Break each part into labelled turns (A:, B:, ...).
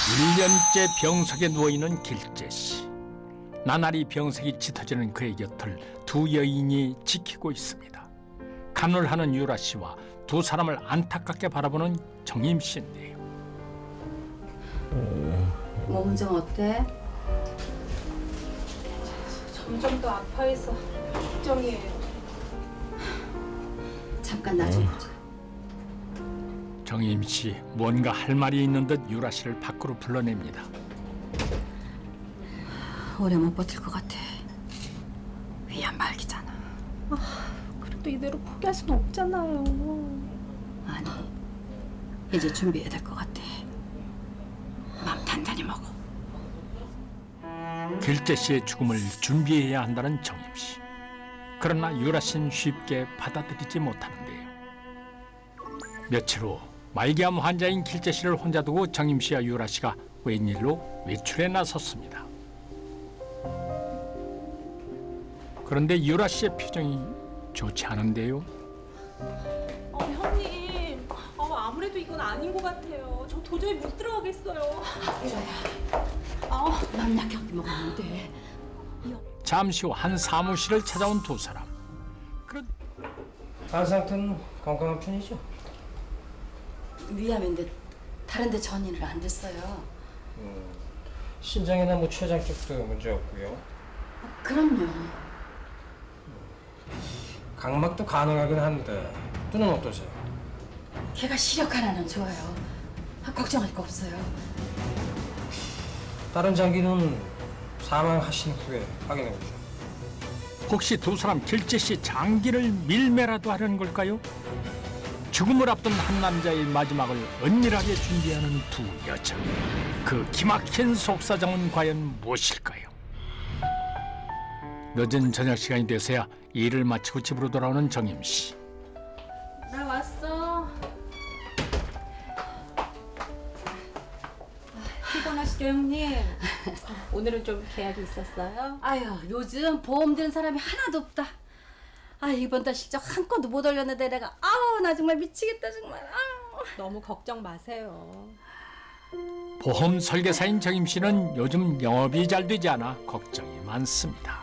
A: 1년째 병석에 누워있는 길재씨. 나날이 병석이 짙어지는 그의 곁을 두 여인이 지키고 있습니다. 간호를 하는 유라씨와 두 사람을 안타깝게 바라보는 정임씨인데요.
B: 몸은 좀 어때?
C: 점점 더 아파해서 걱정이에요.
B: 잠깐 나 좀 보자.
A: 정임씨 뭔가 할 말이 있는 듯 유라씨를 밖으로 불러냅니다.
B: 오래 못 버틸 것 같아. 위안 말기잖아.
C: 그래도 이대로 포기할 순 없잖아요.
B: 아니, 이제 준비해야 될 것 같아. 마음 단단히 먹어.
A: 길재씨의 죽음을 준비해야 한다는 정임씨. 그러나 유라씨는 쉽게 받아들이지 못하는데요. 며칠 후 말기암 환자인 길재씨를 혼자 두고 정임씨와 유라씨가 웬일로 외출에 나섰습니다. 그런데 유라씨의 표정이 좋지 않은데요.
C: 형님, 아무래도 이건 아닌 것 같아요. 저 도저히 못 들어가겠어요.
B: 맘 약하게 먹으면 돼.
A: 잠시 후 한 사무실을 찾아온 두 사람. 그런
D: 간 상태는 건강한 편이죠?
B: 위암인데 다른 데 전이는 안 됐어요.
D: 신장이나 뭐 췌장 쪽도 문제 없고요.
B: 그럼요.
D: 각막도 가능하긴 한데 눈은 어떠세요?
B: 걔가 시력 하나는 좋아요. 걱정할 거 없어요.
D: 다른 장기는 사망하신 후에 확인해보죠.
A: 혹시 두 사람 길재씨 장기를 밀매라도 하려는 걸까요? 죽음을 앞둔 한 남자의 마지막을 은밀하게 준비하는 두 여자. 그 기막힌 속사정은 과연 무엇일까요? 늦은 저녁 시간이 돼서야 일을 마치고 집으로 돌아오는 정임씨.
C: 나 왔어. 피곤하시죠, 형님? 오늘은 좀 계약이 있었어요?
B: 아유, 요즘 보험 드는 사람이 하나도 없다. 이번 달 실적 한 건도 못 올렸는데 내가 나 정말 미치겠다 정말.
C: 너무 걱정 마세요.
A: 보험 설계사인 정임씨는 요즘 영업이 잘 되지 않아 걱정이 많습니다.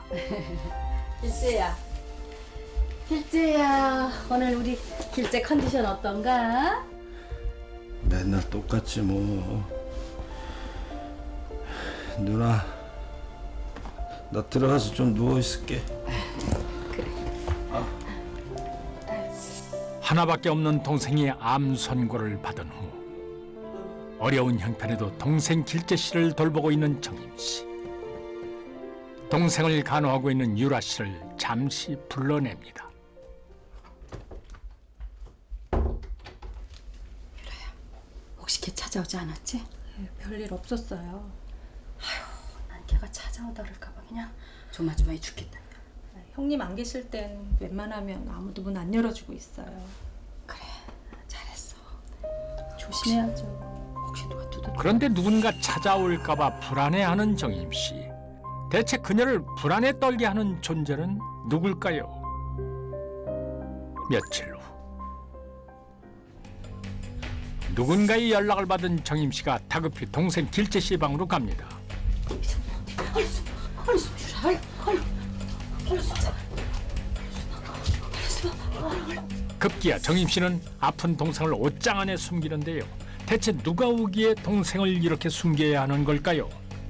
B: 길재야, 오늘 우리 길재 컨디션 어떤가?
E: 맨날 똑같지 뭐. 누나, 나 들어가서 좀 누워 있을게.
A: 하나밖에 없는 동생이 암 선고를 받은 후 어려운 형편에도 동생 길재씨를 돌보고 있는 정임씨. 동생을 간호하고 있는 유라씨를 잠시 불러냅니다.
B: 혹시 걔 찾아오지 않았지?
C: 별일 없었어요.
B: 난 걔가 찾아오다 그럴까 봐 그냥 조마조마해 죽겠다.
C: 형님 안 계실 땐 웬만하면 아무도 문 안 열어주고 있어요.
B: 그래, 잘했어.
C: 조심해야죠.
B: 혹시 누가 두드려?
A: 그런데 누군가 찾아올까 봐 불안해하는 정임씨. 대체 그녀를 불안에 떨게 하는 존재는 누굴까요? 며칠 후 누군가의 연락을 받은 정임씨가 다급히 동생 길재씨 방으로 갑니다. 급기야 정임씨는 아픈 동생을 옷장 안에 숨기는데요. 대체 누가 오기에 동생을 이렇게 숨겨야 하는 걸까요?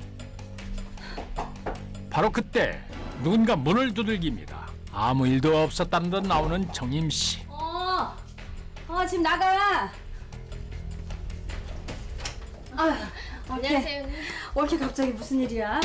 A: 바로 그때 누군가 문을 두들깁니다. 아무 일도 없었다는 듯 나오는 정임씨.
B: 지금 나가.
F: 안녕하세요, 형님.
B: 올케 갑자기 무슨 일이야?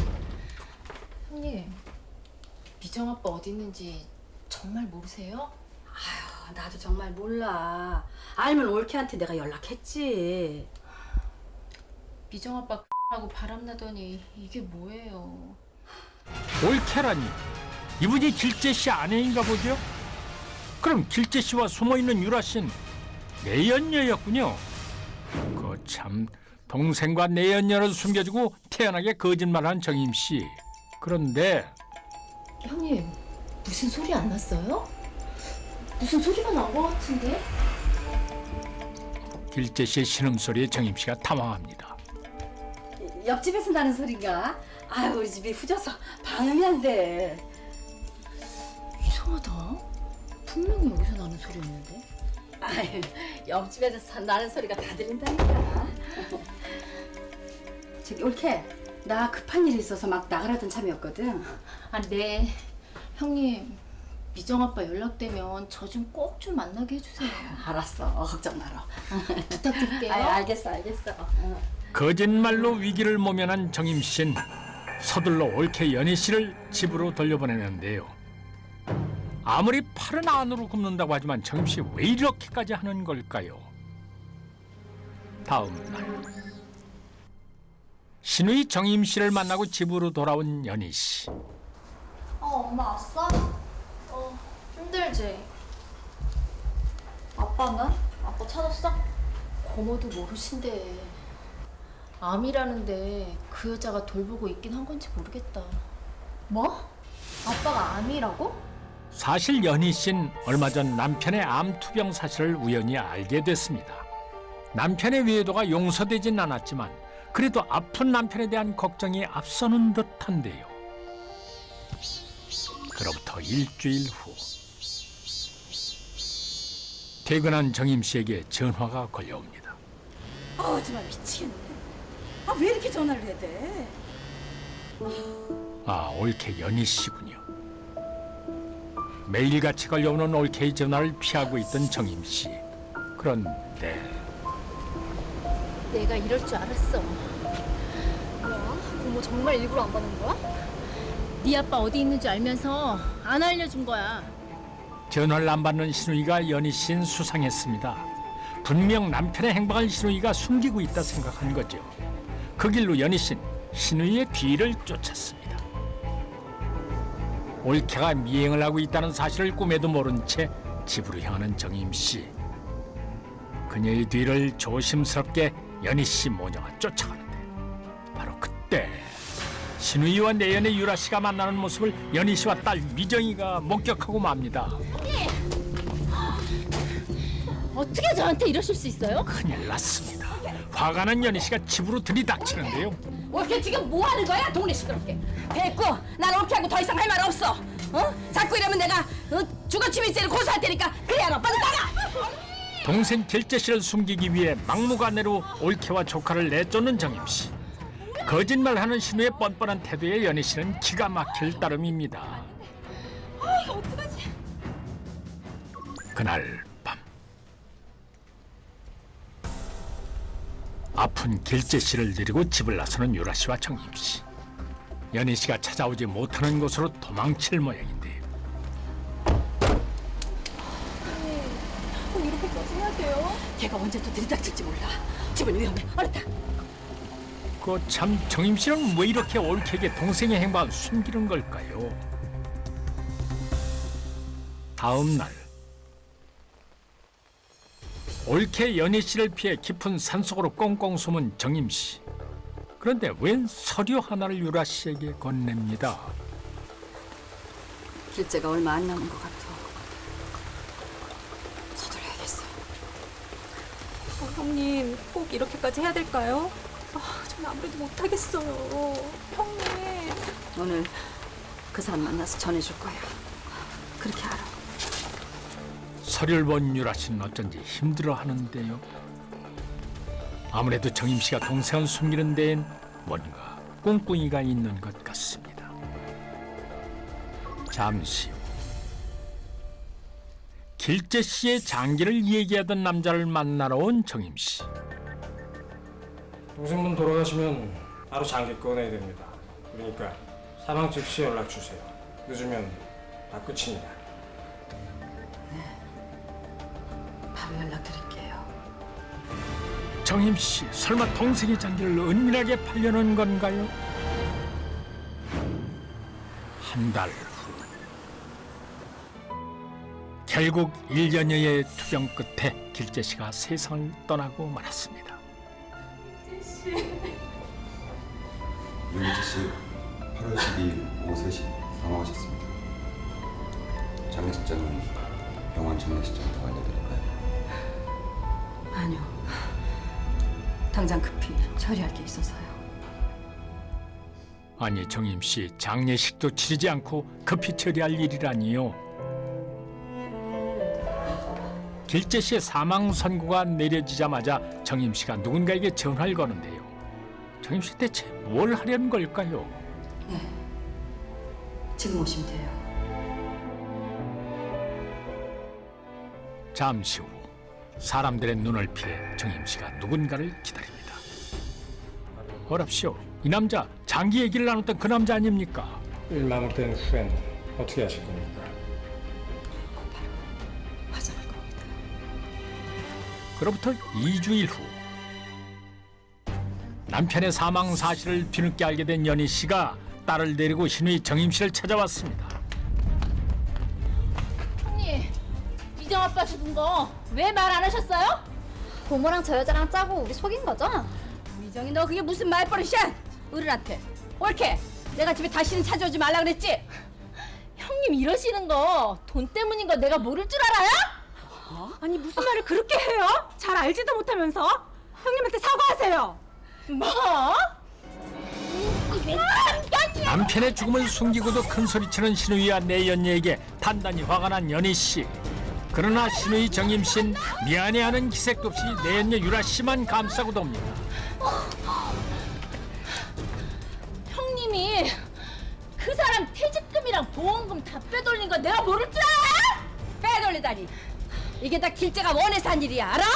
F: 형님, 미정 아빠 어디 있는지 정말 모르세요?
B: 나도 정말 몰라. 알면 올케한테 내가 연락했지.
F: 미정 아빠 하고 바람나더니 이게 뭐예요?
A: 올케라니 이분이 길재씨 아내인가 보죠? 그럼 길재씨와 숨어있는 유라씨는 내연녀였군요. 참 동생과 내연녀를 숨겨주고 태연하게 거짓말한 정임씨. 그런데
F: 형님, 무슨 소리 안 났어요? 무슨 소리가 난 것 같은데?
A: 길재씨의 신음소리에 정임씨가 당황합니다.
B: 옆집에서 나는 소린가? 아유 우리 집이 후져서 방음이 안 돼.
F: 이상하다. 분명히 여기서 나는 소리였는데.
B: 아유 옆집에서 나는 소리가 다 들린다니까. 저기 올케 나 급한 일이 있어서 막 나가라던 참이었거든.
F: 아, 네. 형님, 미정 아빠 연락되면 저 좀 꼭 좀 만나게 해주세요.
B: 알았어 걱정 마라.
F: 부탁드릴게요.
B: 아유 알겠어.
A: 거짓말로 위기를 모면한 정임 씨는 서둘러 올케 연희 씨를 집으로 돌려보내는데요. 아무리 팔은 안으로 굽는다고 하지만 정임 씨 왜 이렇게까지 하는 걸까요? 다음 날 신우이 정임 씨를 만나고 집으로 돌아온 연희 씨.
G: 엄마 왔어? 힘들지? 아빠는? 아빠 찾았어?
F: 고모도 모르신대. 암이라는데 그 여자가 돌보고 있긴 한 건지 모르겠다.
G: 뭐? 아빠가 암이라고?
A: 사실 연희 씨는 얼마 전 남편의 암 투병 사실을 우연히 알게 됐습니다. 남편의 외도가 용서되진 않았지만 그래도 아픈 남편에 대한 걱정이 앞서는 듯한데요. 그로부터 일주일 후 퇴근한 정임 씨에게 전화가 걸려옵니다.
B: 아우 정말 미치겠네. 아 왜 이렇게 전화를 해야 돼?
A: 아, 올케 연희 씨군요. 매일같이 걸려오는 올케의 전화를 피하고 있던 정임 씨. 그런데
F: 내가 이럴 줄 알았어.
G: 뭐야? 고모 정말 일부러 안 받는 거야?
F: 네 아빠 어디 있는지 알면서 안 알려준 거야.
A: 전화를 안 받는 신우이가 연희 씨는 수상했습니다. 분명 남편의 행방을 신우이가 숨기고 있다 생각한 거죠. 그 길로 연희 씨는 신우이의 뒤를 쫓았습니다. 올케가 미행을 하고 있다는 사실을 꿈에도 모른 채 집으로 향하는 정임 씨. 그녀의 뒤를 조심스럽게 연희 씨 모녀가 쫓아가는데 바로 그때 신우이와 내연의 유라 씨가 만나는 모습을 연희 씨와 딸 미정이가 목격하고 맙니다.
F: 어떻게 저한테 이러실 수 있어요?
A: 큰일 났습니다. 화가 난 연희 씨가 집으로 들이닥치는데요.
B: 올케 지금 뭐 하는 거야? 동네 시끄럽게. 됐고 난 올케하고 더 이상 할 말 없어. 자꾸 이러면 내가 주거침입죄를 고소할 테니까 그래 알아. 빨리 나가.
A: 동생 길재 씨를 숨기기 위해 막무가내로 올케와 조카를 내쫓는 정임 씨. 거짓말하는 신우의 뻔뻔한 태도에 연희 씨는 기가 막힐 따름입니다. 그날 밤 아픈 길재 씨를 데리고 집을 나서는 유라 씨와 정임 씨. 연희 씨가 찾아오지 못하는 곳으로 도망칠 모양인데요.
C: 이렇게까지 해야 돼요?
B: 걔가 언제 또 들이닥칠지 몰라. 집은 위험해. 얼른 타.
A: 그 참 정임 씨는 왜 이렇게 올케에게 동생의 행방을 숨기는 걸까요? 다음 날 올케 연희 씨를 피해 깊은 산속으로 꽁꽁 숨은 정임 씨. 그런데 웬 서류 하나를 유라 씨에게 건넵니다.
B: 길재가 얼마 안 남은 것 같아. 서둘러야겠어.
C: 형님 꼭 이렇게까지 해야 될까요? 전 아무래도 못하겠어요. 형님.
B: 오늘 그 사람 만나서 전해줄 거야. 그렇게 알아.
A: 서류를 본 유라 씨는 어쩐지 힘들어하는데요. 아무래도 정임 씨가 동생을 숨기는 데엔 뭔가 꿍꿍이가 있는 것 같습니다. 잠시 후 길재 씨의 장기를 얘기하던 남자를 만나러 온 정임 씨.
D: 동생분 돌아가시면 바로 장기 꺼내야 됩니다. 그러니까 사망 즉시 연락 주세요. 늦으면 다 끝입니다.
B: 바로 연락드릴게요.
A: 정임 씨, 설마 동생의 장기를 은밀하게 팔려는 건가요? 한 달 후, 결국 1년여의 투병 끝에 길재 씨가 세상을 떠나고 말았습니다.
H: 윤지 씨 8월 12일 오후 3시 사망하셨습니다. 장례식장은 병원 장례식장으로 알려드릴까요?
B: 아니요. 당장 급히 처리할 게 있어서요.
A: 아니 정임 씨 장례식도 치르지 않고 급히 처리할 일이라니요. 길재 씨의 사망 선고가 내려지자마자 정임 씨가 누군가에게 전화를 거는데요. 정임 씨 대체 뭘 하려는 걸까요?
B: 지금 오시면 돼요.
A: 잠시 후 사람들의 눈을 피해 정임 씨가 누군가를 기다립니다. 어랍시오. 이 남자 장기 얘기를 나눴던 그 남자 아닙니까?
D: 일 마무리된 후엔 어떻게 하실 겁니까?
B: 화장할 겁니다.
A: 그로부터 2주일 후 남편의 사망 사실을 뒤늦게 알게 된 연희 씨가 딸을 데리고 신우이 정임 씨를 찾아왔습니다.
F: 형님, 이정 아빠 죽은 거 왜 말 안 하셨어요?
G: 고모랑 저 여자랑 짜고 우리 속인 거죠?
B: 미정이 너 그게 무슨 말버릇이야? 어른한테 옳게 내가 집에 다시는 찾아오지 말라 그랬지?
F: 형님 이러시는 거 돈 때문인 거 내가 모를 줄 알아요?
C: 아니 무슨 말을 그렇게 해요? 잘 알지도 못하면서 형님한테 사과하세요.
F: 뭐?
A: 남편의 죽음을 숨기고도 큰 소리치는 신우이와 내연녀에게 단단히 화가 난 연희 씨. 그러나 신우이 정임 씨는 미안해하는 기색도 없이 내연녀 유라 씨만 감싸고 돕니다.
F: 형님이 그 사람 퇴직금이랑 보험금 다 빼돌린 거 내가 모를 줄 알아?
B: 빼돌리다니 이게 다 길재가 원해서 한 일이야 알아?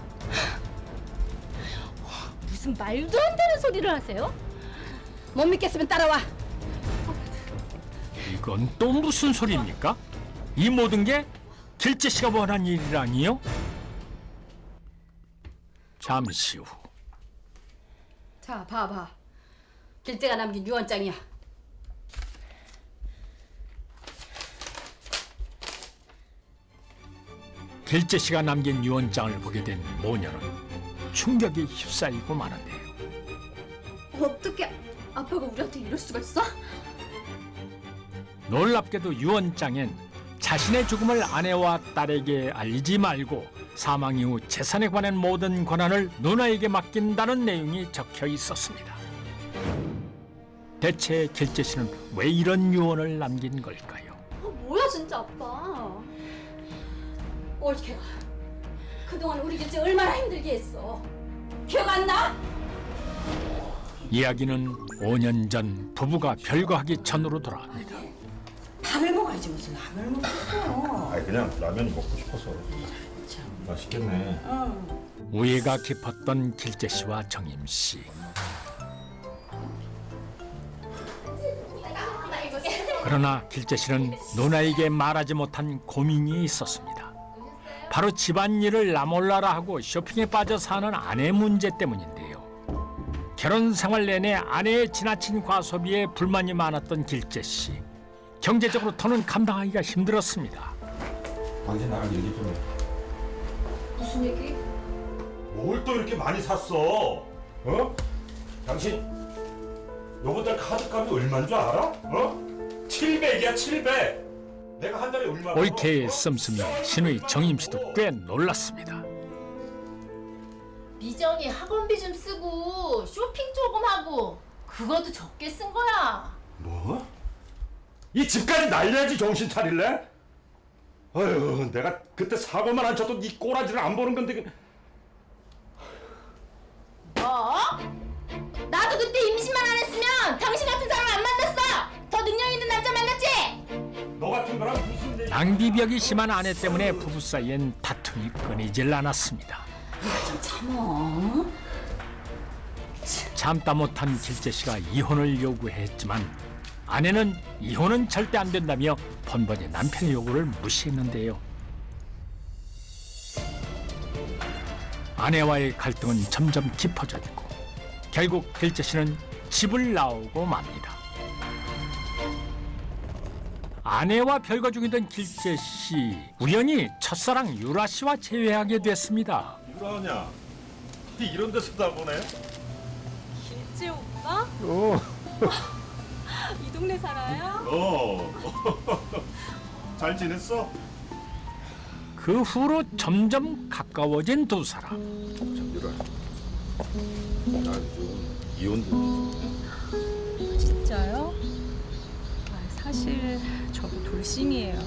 F: 무슨 말도 안 되는 소리를 하세요?
B: 못 믿겠으면 따라와.
A: 이건 또 무슨 소리입니까? 이 모든 게 길재 씨가 원한 일이라니요? 잠시 후
B: 자 봐봐 길재가 남긴 유언장이야.
A: 길재 씨가 남긴 유언장을 보게 된 모녀는 충격에 휩싸이고 마는데요.
G: 어떻게 아빠가 우리한테 이럴 수가 있어?
A: 놀랍게도 유언장엔 자신의 죽음을 아내와 딸에게 알리지 말고 사망 이후 재산에 관한 모든 권한을 누나에게 맡긴다는 내용이 적혀 있었습니다. 대체 길재 씨는 왜 이런 유언을 남긴 걸까요?
G: 뭐야 진짜 아빠.
B: 옳게가 그동안 우리 길재 얼마나 힘들게 했어. 기억 안 나?
A: 이야기는 5년 전 부부가 별거하기 전으로 돌아갑니다.
B: 밥을 먹어야지 무슨 밥을 먹겠어.
I: 아니 그냥 라면이 먹고 싶어서. 맛있겠네.
A: 우애가 깊었던 길재 씨와 정임 씨. 그러나 길재 씨는 누나에게 말하지 못한 고민이 있었습니다. 바로 집안일을 나몰라라 하고 쇼핑에 빠져 사는 아내 문제 때문인데요. 결혼 생활 내내 아내의 지나친 과소비에 불만이 많았던 길재 씨. 경제적으로 더는 감당하기가 힘들었습니다.
I: 당신 나랑 얘기 좀 해.
G: 무슨 얘기?
I: 뭘 또 이렇게 많이 샀어? 어? 당신 요번 달 카드값이 얼마인 줄 알아? 어? 700이야 700. 내가 한 달에 얼마?
A: 올케의 씀씀이에 신우이 정임 씨도 꽤 놀랐습니다.
F: 미정이 학원비 좀 쓰고 쇼핑 조금 하고 그것도 적게 쓴 거야.
I: 뭐? 이 집까지 날려야지 정신 차릴래? 아유, 내가 그때 사고만 안 쳐도 이 꼬라지를 안 보는 건데.
F: 뭐? 나도 그때 임신만 안 했으면 당신 같은 사람 안 만났어. 더 능력 있는 남자 만났지.
I: 너 같은 거랑 무슨 얘기?
A: 낭비벽이 심한 아내 때문에 부부 사이엔 다툼이 끊이질 않았습니다. 참다 못한 길재 씨가 이혼을 요구했지만 아내는 이혼은 절대 안 된다며 번번이 남편의 요구를 무시했는데요. 아내와의 갈등은 점점 깊어졌고 결국 길재 씨는 집을 나오고 맙니다. 아내와 별거 중이던 길재 씨 우연히 첫사랑 유라 씨와 재회하게 됐습니다.
I: 유라냐? 이런 데서 다 보네.
C: 길재 오빠? 이 동네 살아요?
I: 잘 지냈어?
A: 그 후로 점점 가까워진 두 사람.
E: 참 유라. 나 지금 이혼 중이지.
C: 진짜요? 사실 저도 돌싱이에요.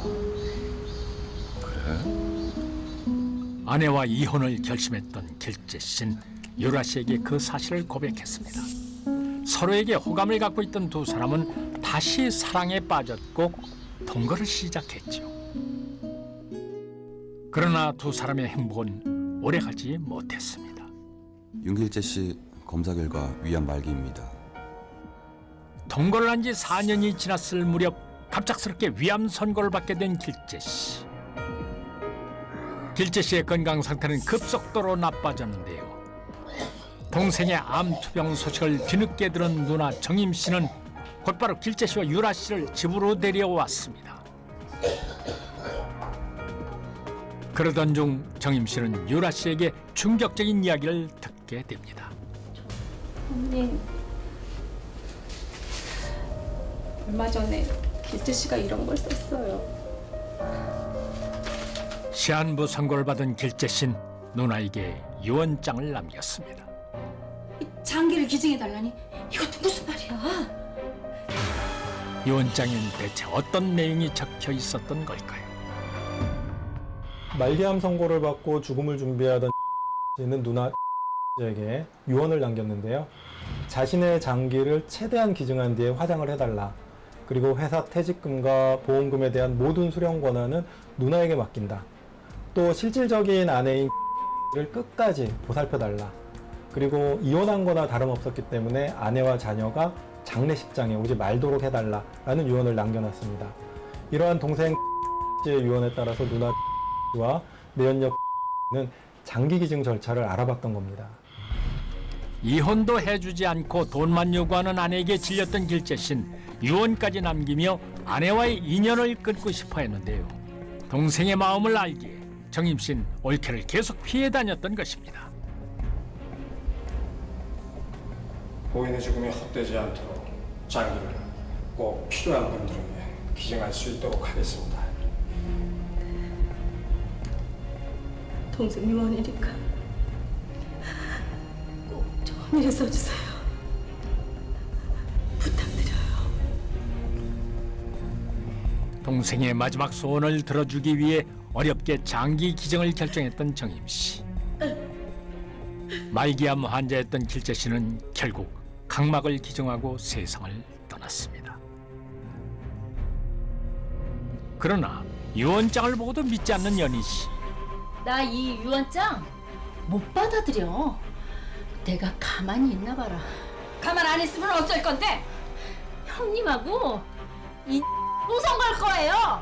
H: 그래?
A: 아내와 이혼을 결심했던 길재 씨는 유라 씨에게 그 사실을 고백했습니다. 서로에게 호감을 갖고 있던 두 사람은 다시 사랑에 빠졌고 동거를 시작했죠. 그러나 두 사람의 행복은 오래가지 못했습니다.
H: 윤길재 씨 검사 결과 위암 말기입니다.
A: 동거를 한 지 4년이 지났을 무렵 갑작스럽게 위암 선고를 받게 된 길재 씨. 길재 씨의 건강 상태는 급속도로 나빠졌는데요. 동생의 암 투병 소식을 뒤늦게 들은 누나 정임 씨는 곧바로 길재 씨와 유라 씨를 집으로 데려왔습니다. 그러던 중 정임 씨는 유라 씨에게 충격적인 이야기를 듣게 됩니다.
C: 언니, 얼마 전에 길재 씨가 이런 걸 썼어요.
A: 시한부 선고를 받은 길재 씨는 누나에게 유언장을 남겼습니다.
B: 장기를 기증해달라니 이것도 무슨 말이야?
A: 유언장엔 대체 어떤 내용이 적혀 있었던 걸까요?
J: 말기암 선고를 받고 죽음을 준비하던 씨는 누나 에게 유언을 남겼는데요. 자신의 장기를 최대한 기증한 뒤에 화장을 해달라. 그리고 회사 퇴직금과 보험금에 대한 모든 수령 권한은 누나에게 맡긴다. 또 실질적인 아내인 를 끝까지 보살펴달라. 그리고 이혼한 거나 다름없었기 때문에 아내와 자녀가 장례식장에 오지 말도록 해달라라는 유언을 남겨놨습니다. 이러한 동생 씨의 유언에 따라서 누나 씨와 내연녀 는 장기 기증 절차를 알아봤던 겁니다.
A: 이혼도 해주지 않고 돈만 요구하는 아내에게 질렸던 길재 씨는 유언까지 남기며 아내와의 인연을 끊고 싶어 했는데요. 동생의 마음을 알기에 정임 씨는 올케를 계속 피해 다녔던 것입니다.
D: 고인의 죽음이 헛되지 않도록 장기를 꼭 필요한 분들에게 기증할 수 있도록 하겠습니다.
C: 동생 유언이니까 꼭 좋은 일에 써주세요. 부탁드려요.
A: 동생의 마지막 소원을 들어주기 위해 어렵게 장기 기증을 결정했던 정임 씨. 말기암 환자였던 길재 씨는 결국 각막을 기증하고 세상을 떠났습니다. 그러나 유언장을 보고도 믿지 않는 연희 씨.
F: 나 이 유언장 못 받아들여. 내가 가만히 있나 봐라.
B: 가만 안 있으면 어쩔 건데?
F: 형님하고 이 우선 걸 거예요.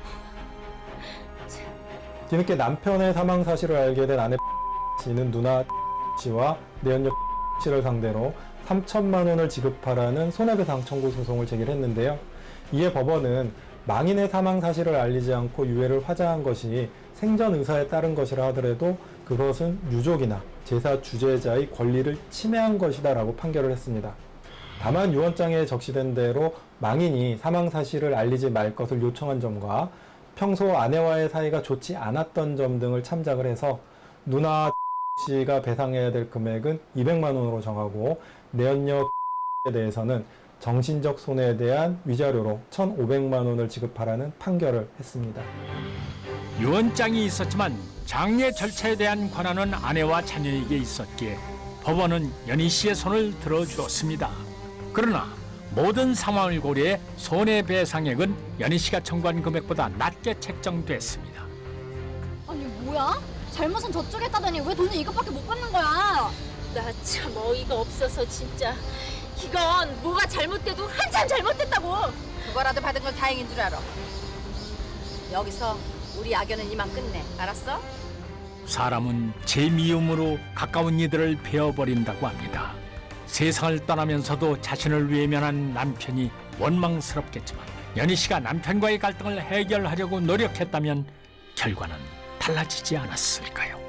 J: 뒤늦게 남편의 사망 사실을 알게 된 아내 씨는 누나 씨와 내연녀 씨를 상대로 3천만 원을 지급하라는 손해배상 청구 소송을 제기했는데요. 이에 법원은 망인의 사망 사실을 알리지 않고 유해를 화장한 것이 생전 의사에 따른 것이라 하더라도 그것은 유족이나 제사 주재자의 권리를 침해한 것이다라고 판결을 했습니다. 다만 유언장에 적시된 대로 망인이 사망 사실을 알리지 말 것을 요청한 점과 평소 아내와의 사이가 좋지 않았던 점 등을 참작을 해서 누나 씨가 배상해야 될 금액은 200만 원으로 정하고 내연녀에 대해서는 정신적 손해에 대한 위자료로 1,500만 원을 지급하라는 판결을 했습니다.
A: 유언장이 있었지만 장례 절차에 대한 권한은 아내와 자녀에게 있었기에 법원은 연희 씨의 손을 들어주었습니다. 그러나 모든 상황을 고려해 손해배상액은 연희 씨가 청구한 금액보다 낮게 책정됐습니다.
G: 아니 뭐야? 잘못은 저쪽에 했다더니 왜 돈을 이것밖에 못 받는 거야?
F: 나 참 어이가 없어서 진짜. 이건 뭐가 잘못돼도 한참 잘못됐다고.
B: 그거라도 받은 건 다행인 줄 알아. 여기서 우리 악연은 이만 끝내. 알았어?
A: 사람은 제 미움으로 가까운 이들을 베어버린다고 합니다. 세상을 떠나면서도 자신을 외면한 남편이 원망스럽겠지만 연희 씨가 남편과의 갈등을 해결하려고 노력했다면 결과는 달라지지 않았을까요?